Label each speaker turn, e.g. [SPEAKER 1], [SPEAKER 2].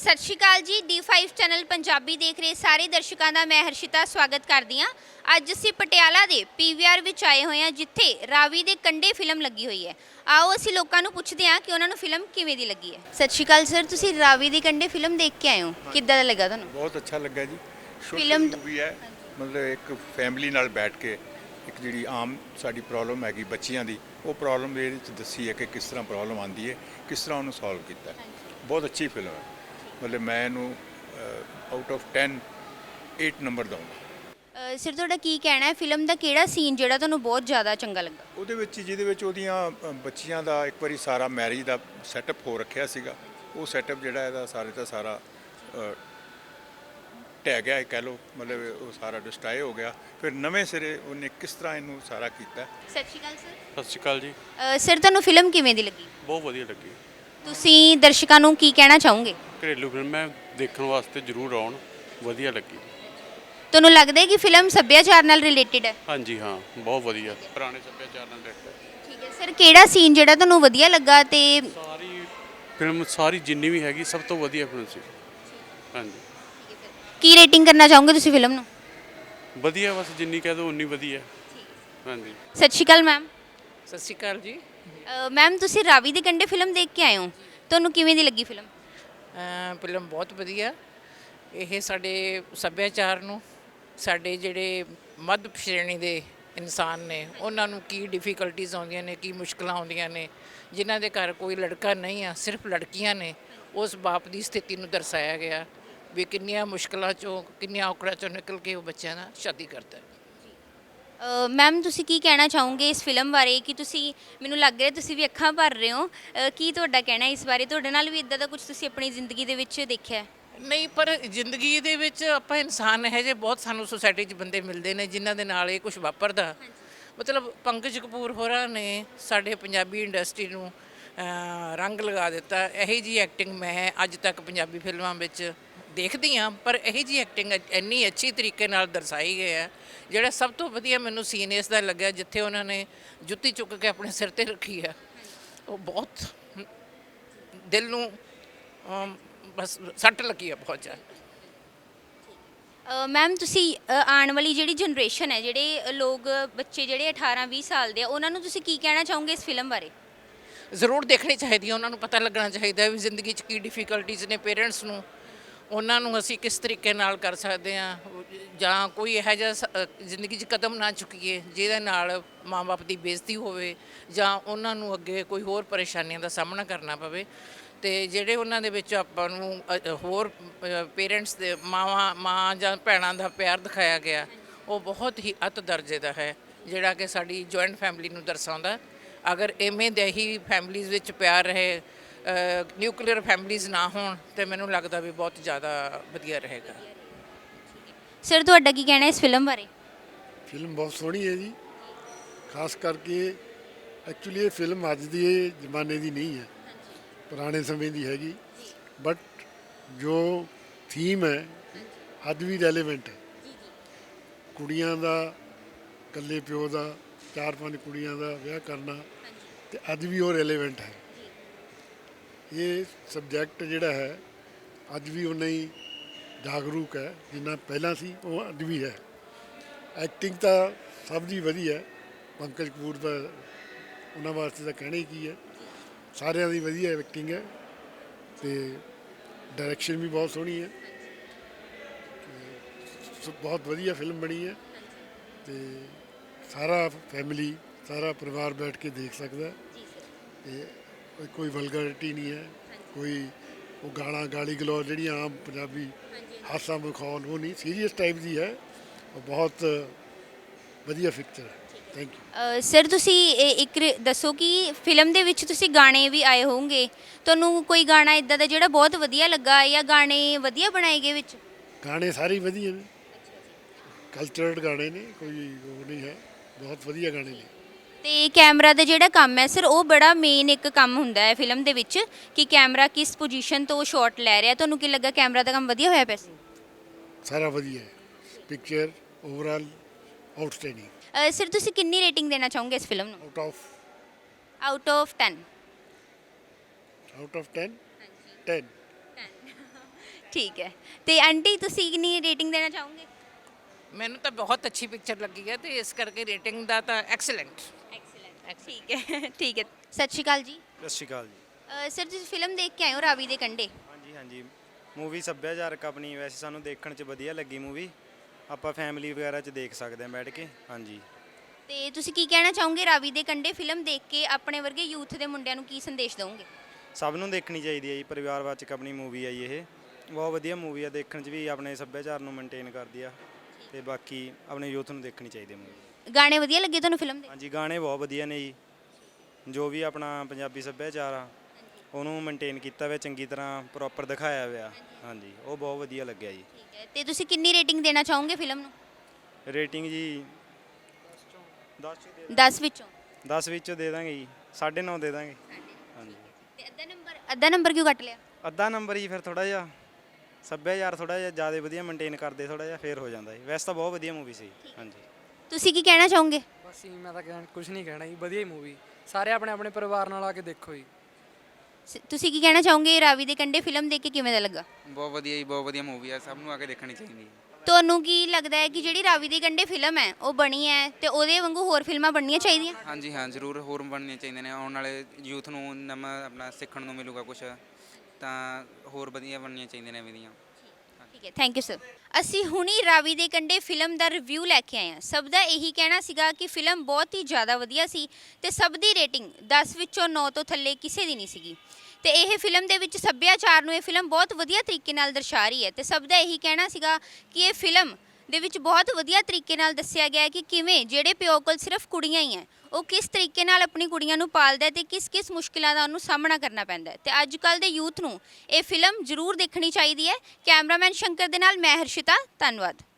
[SPEAKER 1] ਸਤਿ ਸ਼੍ਰੀ ਅਕਾਲ ਜੀ। D5 channel Punjabi ਦੇਖ ਰਹੇ ਸਾਰੇ ਦਰਸ਼ਕਾਂ ਦਾ ਮੈਂ ਹਰਸ਼ਿਤਾ ਸਵਾਗਤ ਕਰਦੀ ਹਾਂ। ਅੱਜ ਅਸੀਂ ਪਟਿਆਲਾ ਦੇ PVR ਵਿੱਚ ਆਏ ਹੋਏ ਹਾਂ, ਜਿੱਥੇ ਰਾਵੀ ਦੇ ਕੰਢੇ ਫਿਲਮ ਲੱਗੀ ਹੋਈ ਹੈ। ਆਓ ਅਸੀਂ ਲੋਕਾਂ ਨੂੰ ਪੁੱਛਦੇ ਹਾਂ ਕਿ ਉਹਨਾਂ ਨੂੰ ਫਿਲਮ ਕਿਵੇਂ ਦੀ ਲੱਗੀ ਹੈ। ਸਤਿ ਸ਼੍ਰੀ ਅਕਾਲ ਸਰ, ਤੁਸੀਂ ਰਾਵੀ ਦੇ ਕੰਢੇ ਫਿਲਮ ਦੇਖ ਕੇ ਆਏ ਹੋ, ਕਿੱਦਾਂ ਦਾ ਲੱਗਾ ਤੁਹਾਨੂੰ?
[SPEAKER 2] ਬਹੁਤ ਅੱਛਾ ਲੱਗਾ ਜੀ।
[SPEAKER 1] ਫਿਲਮ
[SPEAKER 2] ਮੂਵੀ ਹੈ, ਮਤਲਬ ਇੱਕ ਫੈਮਿਲੀ ਨਾਲ ਬੈਠ ਕੇ ਇੱਕ ਜਿਹੜੀ ਆਮ ਸਾਡੀ ਪ੍ਰੋਬਲਮ ਹੈਗੀ ਬੱਚਿਆਂ ਦੀ, ਉਹ ਪ੍ਰੋਬਲਮ ਇਹਦੇ ਵਿੱਚ ਦੱਸੀ ਹੈ ਕਿ ਕਿਸ ਤਰ੍ਹਾਂ ਪ੍ਰੋਬਲਮ ਆਉਂਦੀ ਹੈ, ਕਿਸ ਤਰ੍ਹਾਂ ਉਹਨੂੰ ਸੋਲਵ ਕੀਤਾ। ਬਹੁਤ ਅੱਛੀ ਫਿਲਮ ਹੈ, ਮਤਲਬ ਮੈਂ ਇਹਨੂੰ ਆਊਟ ਆਫ 10 8 ਨੰਬਰ ਦਊਂਗਾ।
[SPEAKER 1] ਸਰ ਤੁਹਾਡਾ ਕੀ ਕਹਿਣਾ ਹੈ, ਫਿਲਮ ਦਾ ਕਿਹੜਾ ਸੀਨ ਜਿਹੜਾ ਤੁਹਾਨੂੰ ਬਹੁਤ ਜ਼ਿਆਦਾ ਚੰਗਾ ਲੱਗਾ?
[SPEAKER 2] ਉਹਦੇ ਵਿੱਚ ਜਿਹਦੇ ਵਿੱਚ ਉਹਦੀਆਂ ਬੱਚੀਆਂ ਦਾ ਇੱਕ ਵਾਰੀ ਸਾਰਾ ਮੈਰਿਜ ਦਾ ਸੈਟਅਪ ਹੋ ਰੱਖਿਆ ਸੀਗਾ, ਉਹ ਸੈਟਅਪ ਜਿਹੜਾ ਇਹਦਾ ਸਾਰੇ ਦਾ ਸਾਰਾ ਢਹਿ ਗਿਆ ਕਹਿ ਲਓ, ਮਤਲਬ ਉਹ ਸਾਰਾ ਡਿਸਟਰਾਏ ਹੋ ਗਿਆ। ਫਿਰ ਨਵੇਂ ਸਿਰੇ ਉਹਨੇ ਕਿਸ ਤਰ੍ਹਾਂ ਇਹਨੂੰ ਸਾਰਾ ਕੀਤਾ।
[SPEAKER 1] ਸਤਿ ਸ਼੍ਰੀ ਅਕਾਲ ਸਰ।
[SPEAKER 3] ਸਤਿ ਸ਼੍ਰੀ ਅਕਾਲ ਜੀ।
[SPEAKER 1] ਸਰ ਤੁਹਾਨੂੰ ਫਿਲਮ ਕਿਵੇਂ ਦੀ ਲੱਗੀ?
[SPEAKER 3] ਬਹੁਤ ਵਧੀਆ ਲੱਗੀ।
[SPEAKER 1] ਤੁਸੀਂ ਦਰਸ਼ਕਾਂ ਨੂੰ ਕੀ ਕਹਿਣਾ ਚਾਹੋਗੇ?
[SPEAKER 3] ਘਰੇਲੂ ਫਿਲਮ ਹੈ, ਦੇਖਣ ਵਾਸਤੇ ਜ਼ਰੂਰ ਆਉਣ, ਵਧੀਆ ਲੱਗੀ।
[SPEAKER 1] ਤੁਹਾਨੂੰ ਲੱਗਦਾ ਹੈ ਕਿ ਫਿਲਮ ਸੱਭਿਆਚਾਰ ਨਾਲ ਰਿਲੇਟਡ ਹੈ?
[SPEAKER 3] ਹਾਂਜੀ ਹਾਂ, ਬਹੁਤ ਵਧੀਆ, ਪੁਰਾਣੇ ਸੱਭਿਆਚਾਰ ਨਾਲ ਰਿਲੇਟਡ।
[SPEAKER 1] ਠੀਕ ਹੈ ਸਰ, ਕਿਹੜਾ ਸੀਨ ਜਿਹੜਾ ਤੁਹਾਨੂੰ ਵਧੀਆ ਲੱਗਾ? ਤੇ
[SPEAKER 3] ਸਾਰੀ ਫਿਲਮ ਸਾਰੀ ਜਿੰਨੀ ਵੀ ਹੈਗੀ ਸਭ ਤੋਂ ਵਧੀਆ ਫਿਲਮ ਸੀ। ਹਾਂਜੀ,
[SPEAKER 1] ਕੀ ਰੇਟਿੰਗ ਕਰਨਾ ਚਾਹੋਗੇ ਤੁਸੀਂ ਫਿਲਮ ਨੂੰ?
[SPEAKER 3] ਵਧੀਆ, ਬਸ ਜਿੰਨੀ ਕਹਿ ਦੋ ਉਨੀ ਵਧੀਆ। ਹਾਂਜੀ।
[SPEAKER 1] ਸਤਿ ਸ਼੍ਰੀ ਅਕਾਲ ਮੈਮ।
[SPEAKER 4] ਸਤਿ ਸ਼੍ਰੀ ਅਕਾਲ ਜੀ।
[SPEAKER 1] ਮੈਮ ਤੁਸੀਂ ਰਾਵੀ ਦੇ ਕੰਢੇ ਫਿਲਮ ਦੇਖ ਕੇ ਆਏ ਹੋ, ਤੁਹਾਨੂੰ ਕਿਵੇਂ ਦੀ ਲੱਗੀ ਫਿਲਮ?
[SPEAKER 4] ਫਿਲਮ ਬਹੁਤ ਵਧੀਆ। ਇਹ ਸਾਡੇ ਸੱਭਿਆਚਾਰ ਨੂੰ, ਸਾਡੇ ਜਿਹੜੇ ਮੱਧ ਸ਼੍ਰੇਣੀ ਦੇ ਇਨਸਾਨ ਨੇ, ਉਹਨਾਂ ਨੂੰ ਕੀ ਡਿਫਿਕਲਟੀਜ਼ ਆਉਂਦੀਆਂ ਨੇ, ਕੀ ਮੁਸ਼ਕਲਾਂ ਆਉਂਦੀਆਂ ਨੇ, ਜਿਨ੍ਹਾਂ ਦੇ ਘਰ ਕੋਈ ਲੜਕਾ ਨਹੀਂ ਆ, ਸਿਰਫ ਲੜਕੀਆਂ ਨੇ, ਉਸ ਬਾਪ ਦੀ ਸਥਿਤੀ ਨੂੰ ਦਰਸਾਇਆ ਗਿਆ ਵੀ ਕਿੰਨੀਆਂ ਮੁਸ਼ਕਲਾਂ 'ਚੋਂ, ਕਿੰਨੀਆਂ ਔਕੜਾਂ 'ਚੋਂ ਨਿਕਲ ਕੇ ਉਹ ਬੱਚਿਆਂ ਨਾਲ ਸ਼ਾਦੀ ਕਰਦਾ ਹੈ।
[SPEAKER 1] ਮੈਮ ਤੁਸੀਂ ਕੀ ਕਹਿਣਾ ਚਾਹੋਗੇ ਇਸ ਫਿਲਮ ਬਾਰੇ? ਕਿ ਤੁਸੀਂ, ਮੈਨੂੰ ਲੱਗ ਰਿਹਾ ਤੁਸੀਂ ਵੀ ਅੱਖਾਂ ਭਰ ਰਹੇ ਹੋ, ਕੀ ਤੁਹਾਡਾ ਕਹਿਣਾ ਇਸ ਬਾਰੇ? ਤੁਹਾਡੇ ਨਾਲ ਵੀ ਇਦਾਂ ਦਾ ਕੁਝ ਤੁਸੀਂ ਆਪਣੀ ਜ਼ਿੰਦਗੀ ਦੇ ਵਿੱਚ ਦੇਖਿਆ?
[SPEAKER 4] ਨਹੀਂ, ਪਰ ਜ਼ਿੰਦਗੀ ਦੇ ਵਿੱਚ ਆਪਾਂ ਇਨਸਾਨ ਇਹੋ ਜਿਹੇ ਬਹੁਤ ਸਾਨੂੰ ਸੁਸਾਇਟੀ 'ਚ ਬੰਦੇ ਮਿਲਦੇ ਨੇ ਜਿਨ੍ਹਾਂ ਦੇ ਨਾਲ ਇਹ ਕੁਝ ਵਾਪਰਦਾ। ਮਤਲਬ ਪੰਕਜ ਕਪੂਰ ਹੋਰਾਂ ਨੇ ਸਾਡੇ ਪੰਜਾਬੀ ਇੰਡਸਟਰੀ ਨੂੰ ਰੰਗ ਲਗਾ ਦਿੱਤਾ। ਇਹੋ ਜਿਹੀ ਐਕਟਿੰਗ ਮੈਂ ਅੱਜ ਤੱਕ ਪੰਜਾਬੀ ਫਿਲਮਾਂ ਵਿੱਚ ਦੇਖਦੀ ਹਾਂ, ਪਰ ਇਹੋ ਜਿਹੀ ਐਕਟਿੰਗ ਇੰਨੀ ਅੱਛੀ ਤਰੀਕੇ ਨਾਲ ਦਰਸਾਈ ਗਈ ਹੈ। ਜਿਹੜਾ ਸਭ ਤੋਂ ਵਧੀਆ ਮੈਨੂੰ ਸੀਨ ਇਸ ਦਾ ਲੱਗਿਆ, ਜਿੱਥੇ ਉਹਨਾਂ ਨੇ ਜੁੱਤੀ ਚੁੱਕ ਕੇ ਆਪਣੇ ਸਿਰ 'ਤੇ ਰੱਖੀ ਹੈ, ਉਹ ਬਹੁਤ ਦਿਲ ਨੂੰ ਬਸ ਸੱਟ ਲੱਗੀ ਹੈ ਬਹੁਤ ਜ਼ਿਆਦਾ।
[SPEAKER 1] ਮੈਮ ਤੁਸੀਂ ਆਉਣ ਵਾਲੀ ਜਿਹੜੀ ਜਨਰੇਸ਼ਨ ਹੈ, ਜਿਹੜੇ ਲੋਕ ਬੱਚੇ ਜਿਹੜੇ 18-20 ਸਾਲ ਦੇ ਆ, ਉਹਨਾਂ ਨੂੰ ਤੁਸੀਂ ਕੀ ਕਹਿਣਾ ਚਾਹੋਗੇ ਇਸ ਫਿਲਮ ਬਾਰੇ?
[SPEAKER 4] ਜ਼ਰੂਰ ਦੇਖਣੀ ਚਾਹੀਦੀ ਹੈ, ਉਹਨਾਂ ਨੂੰ ਪਤਾ ਲੱਗਣਾ ਚਾਹੀਦਾ ਵੀ ਜ਼ਿੰਦਗੀ 'ਚ ਕੀ ਡਿਫਿਕਲਟੀਜ਼ ਨੇ। ਪੇਰੈਂਟਸ ਨੂੰ, ਉਹਨਾਂ ਨੂੰ ਅਸੀਂ ਕਿਸ ਤਰੀਕੇ ਨਾਲ ਕਰ ਸਕਦੇ ਹਾਂ, ਜਾਂ ਕੋਈ ਇਹੋ ਜਿਹਾ ਜ਼ਿੰਦਗੀ 'ਚ ਕਦਮ ਨਾ ਚੁੱਕੀਏ ਜਿਹਦੇ ਨਾਲ ਮਾਂ-ਬਾਪ ਦੀ ਬੇਇੱਜ਼ਤੀ ਹੋਵੇ, ਜਾਂ ਉਹਨਾਂ ਨੂੰ ਅੱਗੇ ਕੋਈ ਹੋਰ ਪਰੇਸ਼ਾਨੀਆਂ ਦਾ ਸਾਹਮਣਾ ਕਰਨਾ ਪਵੇ। ਅਤੇ ਜਿਹੜੇ ਉਹਨਾਂ ਦੇ ਵਿੱਚ ਆਪਾਂ ਨੂੰ ਹੋਰ ਪੇਰੈਂਟਸ ਦੇ ਮਾਂ ਜਾਂ ਭੈਣਾਂ ਦਾ ਪਿਆਰ ਦਿਖਾਇਆ ਗਿਆ, ਉਹ ਬਹੁਤ ਹੀ ਅੱਤ ਦਰਜੇ ਦਾ ਹੈ, ਜਿਹੜਾ ਕਿ ਸਾਡੀ ਜੁਆਇੰਟ ਫੈਮਿਲੀ ਨੂੰ ਦਰਸਾਉਂਦਾ। ਅਗਰ ਇਵੇਂ ਦੇ ਹੀ ਫੈਮਿਲੀਜ਼ ਵਿੱਚ ਪਿਆਰ ਰਹੇ, ਨਿਊਕਲੀਅਰ ਫੈਮਿਲੀਜ਼ ਨਾ ਹੋਣ, ਤੇ ਮੈਨੂੰ ਲੱਗਦਾ ਵੀ ਬਹੁਤ ਜ਼ਿਆਦਾ ਵਧੀਆ ਰਹੇਗਾ।
[SPEAKER 1] ਸਰ ਤੁਹਾਡਾ ਕੀ ਕਹਿਣਾ ਇਸ ਫਿਲਮ ਬਾਰੇ?
[SPEAKER 5] ਫਿਲਮ ਬਹੁਤ ਸੋਹਣੀ ਹੈ ਜੀ। ਖਾਸ ਕਰਕੇ ਐਕਚੁਅਲੀ ਇਹ ਫਿਲਮ ਅੱਜ ਦੀ ਜ਼ਮਾਨੇ ਦੀ ਨਹੀਂ ਹੈ, ਪੁਰਾਣੇ ਸਮੇਂ ਦੀ ਹੈਗੀ, ਬਟ ਜੋ ਥੀਮ ਹੈ ਅੱਜ ਵੀ ਰੈਲੇਵੈਂਟ ਹੈ। ਕੁੜੀਆਂ ਦਾ, ਇਕੱਲੇ ਪਿਓ ਦਾ 4-5 ਕੁੜੀਆਂ ਦਾ ਵਿਆਹ ਕਰਨਾ, ਤੇ ਅੱਜ ਵੀ ਉਹ ਰੈਲੇਵੈਂਟ ਹੈ। ਇਹ ਸਬਜੈਕਟ ਜਿਹੜਾ ਹੈ ਅੱਜ ਵੀ ਉਨਾ ਹੀ ਜਾਗਰੂਕ ਹੈ ਜਿੰਨਾ ਪਹਿਲਾਂ ਸੀ, ਉਹ ਅੱਜ ਵੀ ਹੈ। ਐਕਟਿੰਗ ਤਾਂ ਸਭ ਦੀ ਵਧੀਆ, ਪੰਕਜ ਕਪੂਰ ਦਾ ਉਹਨਾਂ ਵਾਸਤੇ ਤਾਂ ਕਹਿਣਾ ਹੀ ਕੀ ਹੈ, ਸਾਰਿਆਂ ਦੀ ਵਧੀਆ ਐਕਟਿੰਗ ਹੈ, ਅਤੇ ਡਾਇਰੈਕਸ਼ਨ ਵੀ ਬਹੁਤ ਸੋਹਣੀ ਹੈ, ਬਹੁਤ ਵਧੀਆ ਫਿਲਮ ਬਣੀ ਹੈ, ਅਤੇ ਸਾਰਾ ਫੈਮਿਲੀ, ਸਾਰਾ ਪਰਿਵਾਰ ਬੈਠ ਕੇ ਦੇਖ ਸਕਦਾ। ਅਤੇ ਕੋਈ ਵਲਗਰਿਟੀ ਨਹੀਂ ਹੈ, ਕੋਈ ਉਹ ਗਾਲੀ ਗਲੋਚ ਜਿਹੜੀਆਂ ਆਮ ਪੰਜਾਬੀ ਹਾਸਾ ਮਖੌਲ, ਉਹ ਨਹੀਂ, ਸੀਰੀਅਸ ਟਾਈਪ ਦੀ ਹੈ, ਉਹ ਬਹੁਤ ਵਧੀਆ ਪਿਕਚਰ ਹੈ। Thank you.
[SPEAKER 1] ਸਰ ਤੁਸੀਂ ਇੱਕ ਦੱਸੋ ਕਿ ਫਿਲਮ ਦੇ ਵਿੱਚ ਤੁਸੀਂ ਗਾਣੇ ਵੀ ਆਏ ਹੋਣਗੇ, ਤੁਹਾਨੂੰ ਕੋਈ ਗਾਣਾ ਇੱਦਾਂ ਦਾ ਜਿਹੜਾ ਬਹੁਤ ਵਧੀਆ ਲੱਗਾ, ਜਾਂ ਗਾਣੇ ਵਧੀਆ ਬਣਾਏ ਗਏ ਵਿੱਚ?
[SPEAKER 5] ਗਾਣੇ ਸਾਰੇ ਵਧੀਆ ਨੇ, ਕਲਚਰਡ ਗਾਣੇ ਨੇ, ਕੋਈ ਉਹ ਨਹੀਂ ਹੈ, ਬਹੁਤ ਵਧੀਆ ਗਾਣੇ ਨੇ।
[SPEAKER 1] ਤੇ ਕੈਮਰਾ ਦਾ ਜਿਹੜਾ ਕੰਮ ਹੈ ਸਰ, ਉਹ ਬੜਾ ਮੇਨ ਇੱਕ ਕੰਮ ਹੁੰਦਾ ਹੈ ਫਿਲਮ ਦੇ ਵਿੱਚ, ਕਿ ਕੈਮਰਾ ਕਿਸ ਪੋਜੀਸ਼ਨ ਤੋਂ ਸ਼ਾਟ ਲੈ ਰਿਹਾ। ਤੁਹਾਨੂੰ ਕੀ ਲੱਗਾ, ਕੈਮਰਾ ਦਾ ਕੰਮ ਵਧੀਆ ਹੋਇਆ ਪਿਆ ਸੀ?
[SPEAKER 5] ਸਾਰਾ ਵਧੀਆ ਹੈ, ਪਿਕਚਰ ਓਵਰਆਲ ਆਊਟਸਟੈਂਡਿੰਗ।
[SPEAKER 1] ਸਰ ਤੁਸੀਂ ਕਿੰਨੀ ਰੇਟਿੰਗ ਦੇਣਾ ਚਾਹੋਗੇ ਇਸ ਫਿਲਮ ਨੂੰ?
[SPEAKER 5] Out of
[SPEAKER 1] 10?
[SPEAKER 5] ਆਊਟ ਆਫ 10 10
[SPEAKER 1] ਠੀਕ ਹੈ। ਤੇ ਆਂਟੀ ਤੁਸੀਂ ਕਿੰਨੀ ਰੇਟਿੰਗ ਦੇਣਾ ਚਾਹੋਗੇ?
[SPEAKER 4] ਮੈਨੂੰ ਤਾਂ ਬਹੁਤ ਅੱਛੀ ਪਿਕਚਰ ਲੱਗੀ ਹੈ ਤੇ ਇਸ ਕਰਕੇ ਰੇਟਿੰਗ ਦਾ ਤਾਂ ਐਕਸਲੈਂਟ।
[SPEAKER 1] ਐਕਸਲੈਂਟ, ਠੀਕ ਹੈ ਠੀਕ ਹੈ। ਸਤਿ ਸ਼੍ਰੀ ਅਕਾਲ ਜੀ।
[SPEAKER 6] ਸਤਿ ਸ਼੍ਰੀ ਅਕਾਲ ਜੀ।
[SPEAKER 1] ਸਰ ਤੁਸੀਂ ਫਿਲਮ ਦੇਖ ਕੇ ਆਏ ਹੋ ਰਾਵੀ ਦੇ ਕੰਢੇ।
[SPEAKER 6] ਹਾਂਜੀ ਹਾਂਜੀ, ਮੂਵੀ ਸੱਭਿਆਚਾਰਕ ਆਪਣੀ ਵੈਸੇ ਸਾਨੂੰ ਦੇਖਣ 'ਚ ਵਧੀਆ ਲੱਗੀ ਮੂਵੀ। ਆਪਾਂ ਫੈਮਿਲੀ ਵਗੈਰਾ 'ਚ ਦੇਖ ਸਕਦੇ ਹਾਂ ਬੈਠ ਕੇ। ਹਾਂਜੀ,
[SPEAKER 1] ਤੇ ਤੁਸੀਂ ਕੀ ਕਹਿਣਾ ਚਾਹੋਗੇ ਰਾਵੀ ਦੇ ਕੰਢੇ ਫਿਲਮ ਦੇਖ ਕੇ ਆਪਣੇ ਵਰਗੇ ਯੂਥ ਦੇ ਮੁੰਡਿਆਂ ਨੂੰ ਕੀ ਸੰਦੇਸ਼ ਦਿਓਗੇ?
[SPEAKER 6] ਸਭ ਨੂੰ ਦੇਖਣੀ ਚਾਹੀਦੀ ਹੈ ਜੀ। ਪਰਿਵਾਰਵਾਚਕ ਆਪਣੀ ਮੂਵੀ ਆ ਜੀ ਇਹ। ਬਹੁਤ ਵਧੀਆ ਮੂਵੀ ਆ, ਦੇਖਣ 'ਚ ਵੀ ਆਪਣੇ ਸੱਭਿਆਚਾਰ ਨੂੰ ਮੇਨਟੇਨ ਕਰਦੀ ਆ ਤੇ ਬਾਕੀ ਆਪਣੇ ਯੂਥ ਨੂੰ ਦੇਖਣੀ ਚਾਹੀਦੀ ਹੈ ਮੂਵੀ।
[SPEAKER 1] ਗਾਣੇ ਵਧੀਆ ਲੱਗੇ ਤੁਹਾਨੂੰ ਫਿਲਮ ਦੇ?
[SPEAKER 6] ਹਾਂਜੀ, ਗਾਣੇ ਬਹੁਤ ਵਧੀਆ ਨੇ ਜੀ। ਜੋ ਵੀ ਆਪਣਾ ਪੰਜਾਬੀ ਸੱਭਿਆਚਾਰ ਆ ਉਹਨੂੰ ਮੇਨਟੇਨ ਕੀਤਾ ਹੋਇਆ, ਚੰਗੀ ਤਰ੍ਹਾਂ ਪ੍ਰੋਪਰ ਦਿਖਾਇਆ ਹੋਇਆ। ਹਾਂਜੀ, ਉਹ ਬਹੁਤ ਵਧੀਆ ਲੱਗਿਆ ਜੀ।
[SPEAKER 1] ਠੀਕ ਹੈ। ਤੇ ਤੁਸੀਂ ਕਿੰਨੀ ਰੇਟਿੰਗ ਦੇਣਾ ਚਾਹੋਗੇ ਫਿਲਮ ਨੂੰ?
[SPEAKER 6] ਰੇਟਿੰਗ ਜੀ
[SPEAKER 1] 10 ਵਿੱਚੋਂ?
[SPEAKER 6] 10 ਵਿੱਚੋਂ ਦੇ ਦਾਂਗੇ ਜੀ, 9.5 ਦੇ ਦਾਂਗੇ। ਹਾਂਜੀ,
[SPEAKER 1] ਤੇ ਅੱਧਾ ਨੰਬਰ ਕਿਉਂ ਕੱਟ ਲਿਆ?
[SPEAKER 6] ਅੱਧਾ ਨੰਬਰ ਹੀ ਫਿਰ ਥੋੜਾ ਜਿਹਾ ਸੱਭਿਆਚਾਰ ਥੋੜਾ ਜਿਹਾ ਜ਼ਿਆਦਾ ਵਧੀਆ ਮੇਨਟੇਨ ਕਰਦੇ, ਥੋੜਾ ਜਿਹਾ ਫੇਰ ਹੋ ਜਾਂਦਾ ਜੀ। ਵੈਸੇ ਤਾਂ ਬਹੁਤ ਵਧੀਆ ਮੂਵੀ ਸੀ। ਹਾਂਜੀ,
[SPEAKER 1] ਤੁਸੀਂ ਕੀ ਕਹਿਣਾ ਚਾਹੋਗੇ?
[SPEAKER 7] ਬਸ ਜੀ ਮੈਂ ਤਾਂ ਕੁਝ ਨਹੀਂ ਕਹਿਣਾ ਜੀ, ਵਧੀਆ ਹੀ ਮੂਵੀ। ਸਾਰੇ ਆਪਣੇ ਆਪਣੇ ਪਰਿਵਾਰ ਨਾਲ ਆ ਕੇ ਦੇਖੋ ਜੀ।
[SPEAKER 1] ਤੁਸੀਂ ਕੀ ਕਹਿਣਾ ਚਾਹੋਗੇ ਰਾਵੀ ਦੇ ਕੰਢੇ ਫਿਲਮ ਦੇਖ ਕੇ ਕਿਵੇਂ ਦਾ ਲੱਗਾ?
[SPEAKER 8] ਬਹੁਤ ਵਧੀਆ ਜੀ, ਬਹੁਤ ਵਧੀਆ ਮੂਵੀ ਆ, ਸਭ ਨੂੰ ਆ ਕੇ ਦੇਖਣੀ ਚਾਹੀਦੀ ਹੈ।
[SPEAKER 1] ਤੁਹਾਨੂੰ ਕੀ ਲੱਗਦਾ ਹੈ ਕਿ ਜਿਹੜੀ ਰਾਵੀ ਦੇ ਕੰਢੇ ਫਿਲਮ ਹੈ ਉਹ ਬਣੀ ਹੈ ਤੇ ਉਹਦੇ ਵਾਂਗੂ ਹੋਰ ਫਿਲਮਾਂ ਬਣਨੀਆਂ ਚਾਹੀਦੀਆਂ?
[SPEAKER 8] ਹਾਂਜੀ ਹਾਂ, ਜ਼ਰੂਰ ਹੋਰ ਬਣਨੀਆਂ ਚਾਹੀਦੀਆਂ ਨੇ। ਆਉਣ ਵਾਲੇ ਯੂਥ ਨੂੰ ਨਵਾਂ ਆਪਣਾ ਸਿੱਖਣ ਨੂੰ ਮਿਲੂਗਾ ਕੁਝ, ਤਾਂ ਹੋਰ ਵਧੀਆ ਬਣਨੀਆਂ ਚਾਹੀਦੀਆਂ ਨੇ ਐਵੇਂ ਦੀਆਂ।
[SPEAKER 1] ਠੀਕ ਹੈ, ਥੈਂਕ ਯੂ ਸਰ। ਅਸੀਂ ਹੁਣੀ ਰਾਵੀ ਦੇ ਕੰਢੇ ਫਿਲਮ ਦਾ ਰਿਵਿਊ ਲੈ ਕੇ ਆਏ ਹਾਂ। ਸਭ ਦਾ ਇਹੀ ਕਹਿਣਾ ਸੀਗਾ ਕਿ ਫਿਲਮ ਬਹੁਤ ਹੀ ਜ਼ਿਆਦਾ ਵਧੀਆ ਸੀ ਤੇ ਸਭ ਦੀ ਰੇਟਿੰਗ 10 ਵਿੱਚੋਂ 9 ਤੋਂ ਥੱਲੇ ਕਿਸੇ ਦੀ ਨਹੀਂ ਸੀਗੀ। ਤੇ ਇਹ ਫਿਲਮ ਦੇ ਵਿੱਚ ਸੱਭਿਆਚਾਰ ਨੂੰ ਇਹ ਫਿਲਮ ਬਹੁਤ ਵਧੀਆ ਤਰੀਕੇ ਨਾਲ ਦਰਸਾ ਰਹੀ ਹੈ ਤੇ ਸਭ ਦਾ ਇਹੀ ਕਹਿਣਾ ਸੀਗਾ ਕਿ ਇਹ ਫਿਲਮ ਦੇ ਵਿੱਚ ਬਹੁਤ ਵਧੀਆ ਤਰੀਕੇ ਨਾਲ ਦੱਸਿਆ ਗਿਆ ਹੈ ਕਿ ਕਿਵੇਂ ਜਿਹੜੇ ਪਿਓ ਕੋਲ ਸਿਰਫ ਕੁੜੀਆਂ ਹੀ ਹੈ ਉਹ ਕਿਸ ਤਰੀਕੇ ਨਾਲ ਆਪਣੀ ਕੁੜੀਆਂ ਨੂੰ ਪਾਲਦਾ ਹੈ ਤੇ ਕਿਸ ਮੁਸ਼ਕਿਲਾਂ ਦਾ ਉਹਨੂੰ ਸਾਹਮਣਾ ਕਰਨਾ ਪੈਂਦਾ ਹੈ। ਤੇ ਅੱਜ ਕੱਲ੍ਹ ਦੇ ਯੂਥ ਨੂੰ ਇਹ ਫਿਲਮ ਜ਼ਰੂਰ ਦੇਖਣੀ ਚਾਹੀਦੀ ਹੈ। ਕੈਮਰਾਮੈਨ ਸ਼ੰਕਰ ਦੇ ਨਾਲ ਮੈਂ ਹਰਸ਼ਿਤਾ, ਧੰਨਵਾਦ।